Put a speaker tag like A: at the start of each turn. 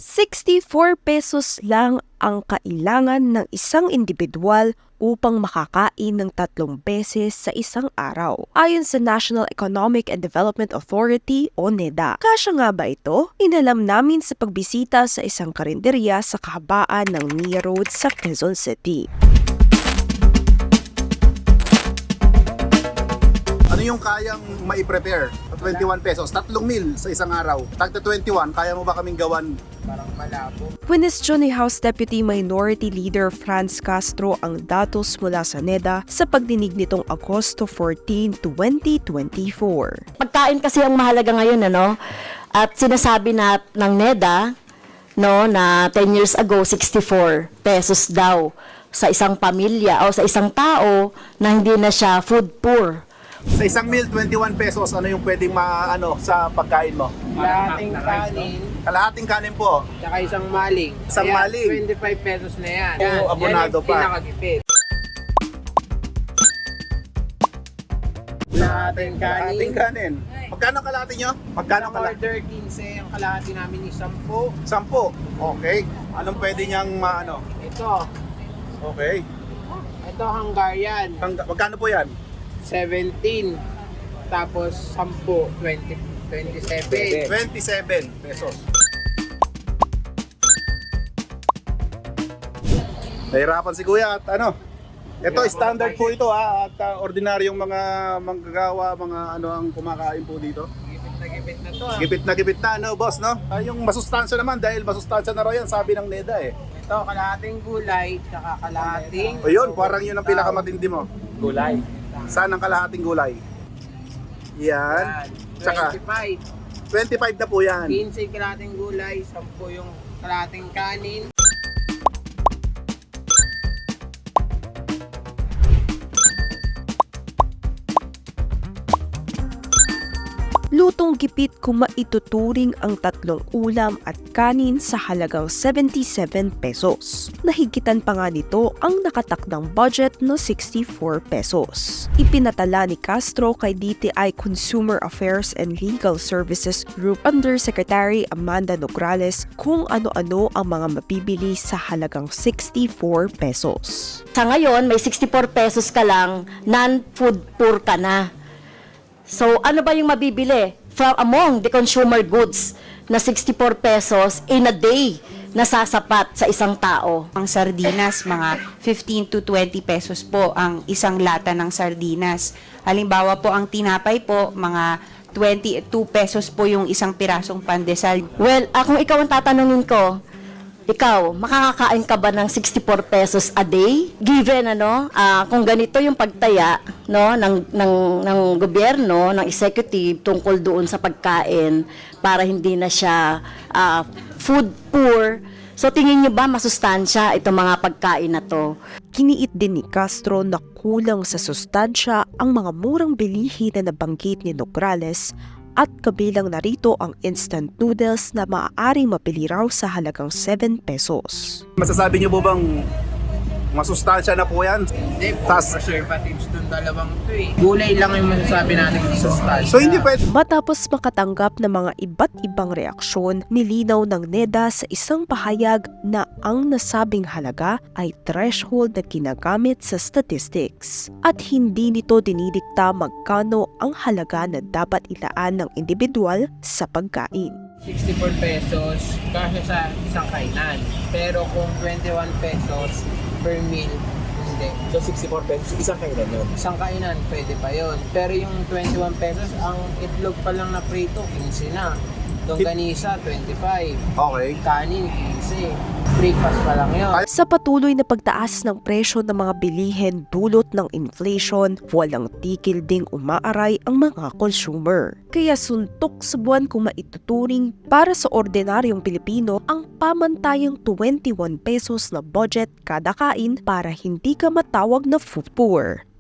A: 64 pesos lang ang kailangan ng isang individual upang makakain ng 3 beses sa isang araw. Ayon sa National Economic and Development Authority o NEDA. Kasya nga ba ito? Inalam namin sa pagbisita sa isang karinderya sa kahabaan ng Nia Road sa Quezon City.
B: Ano yung kayang mai-prepare? 21 pesos, 3 meal sa isang araw. Tagta 21, kaya mo ba kaming gawan? Parang malabo.
A: Kwinestyon ni House Deputy Minority Leader Franz Castro ang datos mula sa NEDA sa pagdinig nitong Agosto 14, 2024.
C: Pagkain kasi ang mahalaga ngayon, ano? At sinasabi na ng NEDA, no, na 10 years ago, 64 pesos daw sa isang pamilya o sa isang tao na hindi na siya food poor.
B: Sa isang meal, 21 pesos, ano yung pwedeng sa pagkain mo?
D: Kalahating kanin,
B: Kalahating kanin po.
D: tsaka isang maling.
B: Isang
D: Kaya
B: maling.
D: 25 pesos na yan.
B: Oo, abonado
D: yan yung
B: pa.
D: pinakagipit. Kalahating
B: Kalahating
D: kanin.
B: kanin. Magkano kalahati nyo? Magkano
D: Isang
B: kalahati?
D: order 15, ang kalahati namin is 10.
B: 10. Okay. Anong pwede niyang
D: Ito,
B: Okay.
D: ito Hungarian,
B: Magkano po yan?
D: 17. Tapos 10, 27.
B: 27 pesos. Nahirapan si Kuya at ito standard po ito at ordinaryong mga manggagawa, mga ang kumakain po dito.
D: Gipit na to.
B: Gipit na boss, no? Yung masustansya naman dahil masustansya na raw yan, sabi ng NEDA eh.
D: Ito, kalahating gulay, tsaka kalahating...
B: O yun, parang yun ang pinakamatindi mo.
D: Gulay.
B: Saan ang kalahating gulay? Yan. Tsaka
D: 25.
B: 25 na po yan.
D: 15 kalahating gulay, 10 yung kalahating kanin.
A: Lutong gipit kung maituturing ang 3 ulam at kanin sa halagang 77 pesos. Nahigitan pa nga nito ang nakatakdang budget na 64 pesos. Ipinatala ni Castro kay DTI Consumer Affairs and Legal Services Group Undersecretary Amanda Nograles kung ano-ano ang mga mabibili sa halagang 64 pesos.
C: Sa ngayon, may 64 pesos ka lang, non-food poor ka na. So, ano ba yung mabibili from among the consumer goods na 64 pesos in a day na sasapat sa isang tao?
E: Ang sardinas, mga 15 to 20 pesos po ang isang lata ng sardinas. Halimbawa po, ang tinapay po, mga 22 pesos po yung isang pirasong pandesal.
C: Well, kung ikaw ang tatanungin ko, ikaw, makakakain ka ba ng 64 pesos a day? Given kung ganito yung pagtaya ng gobyerno, ng executive tungkol doon sa pagkain para hindi na siya food poor. So tingin niyo ba masustansya itong mga pagkain na to?
A: Kiniit din ni Castro na kulang sa sustansya ang mga murang bilihin na nabanggit ni Nograles at kabilang narito ang instant noodles na maaaring mapili raw sa halagang 7 pesos.
B: Masasabi niyo po bang masustansya na po yan?
D: Hindi po,
B: Tas-
D: preservatives dun dalawang to eh. Gulay lang yung masasabi natin sa style.
B: So hindi pwede.
A: Matapos makatanggap ng mga iba't ibang reaksyon, nilinaw ng NEDA sa isang pahayag na ang nasabing halaga ay threshold na ginagamit sa statistics at hindi nito dinidikta magkano ang halaga na dapat ilaan ng individual sa pagkain.
D: 64 pesos kasi sa isang kainan. Pero kung 21 pesos per meal, hindi.
F: So 64 pesos, isang kailan yun?
D: Isang kainan, pwede pa yon. Pero yung 21 pesos, ang itlog pa lang na prito, 15 na. Longganisa, 25.
B: Okay.
D: Kanin, 15. Breakfast pa lang yun.
A: Sa patuloy na pagtaas ng presyo ng mga bilihin dulot ng inflation, walang tigil ding umaaray ang mga consumer. Kaya suntok sa buwan kung maituturing para sa ordinaryong Pilipino ang pamantayang 21 pesos na budget kada kain para hindi ka matawag na food poor.